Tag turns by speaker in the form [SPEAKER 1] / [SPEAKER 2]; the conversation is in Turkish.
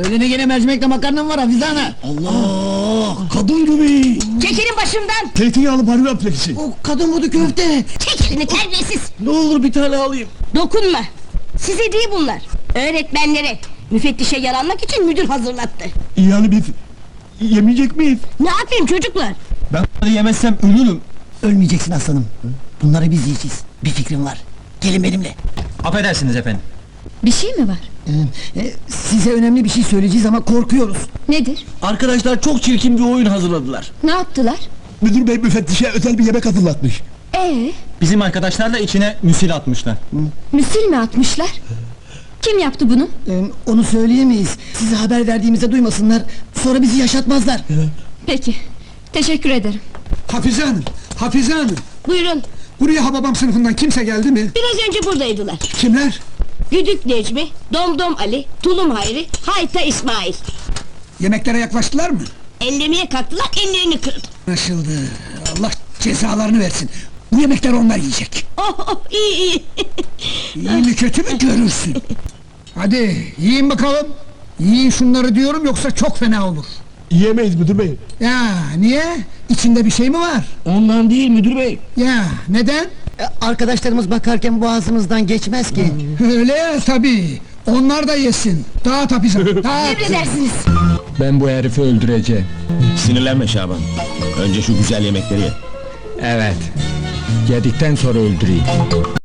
[SPEAKER 1] Senin gene mercimekle makarnan var Hafize ana.
[SPEAKER 2] Allah! Kadın gibi!
[SPEAKER 3] Çekilin başımdan!
[SPEAKER 2] Zeytinyağlı barbie apleksi.
[SPEAKER 1] O kadın budu köfte.
[SPEAKER 3] Çek elini terbiyesiz!
[SPEAKER 2] Ne olur bir tane alayım.
[SPEAKER 3] Dokunma! Size değil bunlar! Öğretmenlere, müfettişe yaranmak için müdür hazırlattı.
[SPEAKER 2] Yani biz yemeyecek miyiz?
[SPEAKER 3] Ne yapayım çocuklar?
[SPEAKER 2] Ben bunları yemezsem ölürüm.
[SPEAKER 1] Ölmeyeceksin aslanım. Bunları biz yiyeceğiz. Bir fikrim var. Gelin benimle.
[SPEAKER 4] Affedersiniz efendim.
[SPEAKER 5] Bir şey mi var?
[SPEAKER 1] Size önemli bir şey söyleyeceğiz ama korkuyoruz.
[SPEAKER 5] Nedir?
[SPEAKER 2] Arkadaşlar çok çirkin bir oyun hazırladılar.
[SPEAKER 5] Ne yaptılar?
[SPEAKER 2] Müdür bey müfettişe özel bir yemek hazırlatmış.
[SPEAKER 4] Bizim arkadaşlar da içine müsil atmışlar.
[SPEAKER 5] Müsil mi atmışlar? Kim yaptı bunu?
[SPEAKER 1] Onu söyleyemeyiz. Size haber verdiğimizde duymasınlar. Sonra bizi yaşatmazlar.
[SPEAKER 5] Peki, teşekkür ederim.
[SPEAKER 6] Hafize Hanım, Hafize Hanım!
[SPEAKER 3] Buyurun,
[SPEAKER 6] Buraya Hababam sınıfından kimse geldi mi?
[SPEAKER 3] biraz önce buradaydılar.
[SPEAKER 6] Kimler?
[SPEAKER 3] Güdük Necmi, Domdom Ali, Tulum Hayri, Hayta İsmail.
[SPEAKER 6] Yemeklere yaklaştılar mı?
[SPEAKER 3] Ellemeye kalktılar, ellerini kırdı.
[SPEAKER 6] Anlaşıldı. Allah cezalarını versin. Bu yemekleri onlar yiyecek.
[SPEAKER 3] İyi iyi!
[SPEAKER 6] İyi mi kötü mü görürsün. Hadi yiyin bakalım. Yiyin şunları diyorum yoksa çok fena olur.
[SPEAKER 2] Yiyemeyiz müdür bey.
[SPEAKER 6] Ya niye? İçinde bir şey mi var?
[SPEAKER 2] Ondan değil müdür bey.
[SPEAKER 6] Ya neden?
[SPEAKER 1] Arkadaşlarımız bakarken boğazımızdan geçmez ki.
[SPEAKER 6] Öyle ya tabii. Onlar da yesin. Dağıt Hafize Hanım, dağıt.
[SPEAKER 3] Emredersiniz!
[SPEAKER 7] Ben bu herifi öldüreceğim.
[SPEAKER 8] Sinirlenme Şaban. Önce şu güzel yemekleri ye.
[SPEAKER 7] Evet. Yedikten sonra öldüreyim.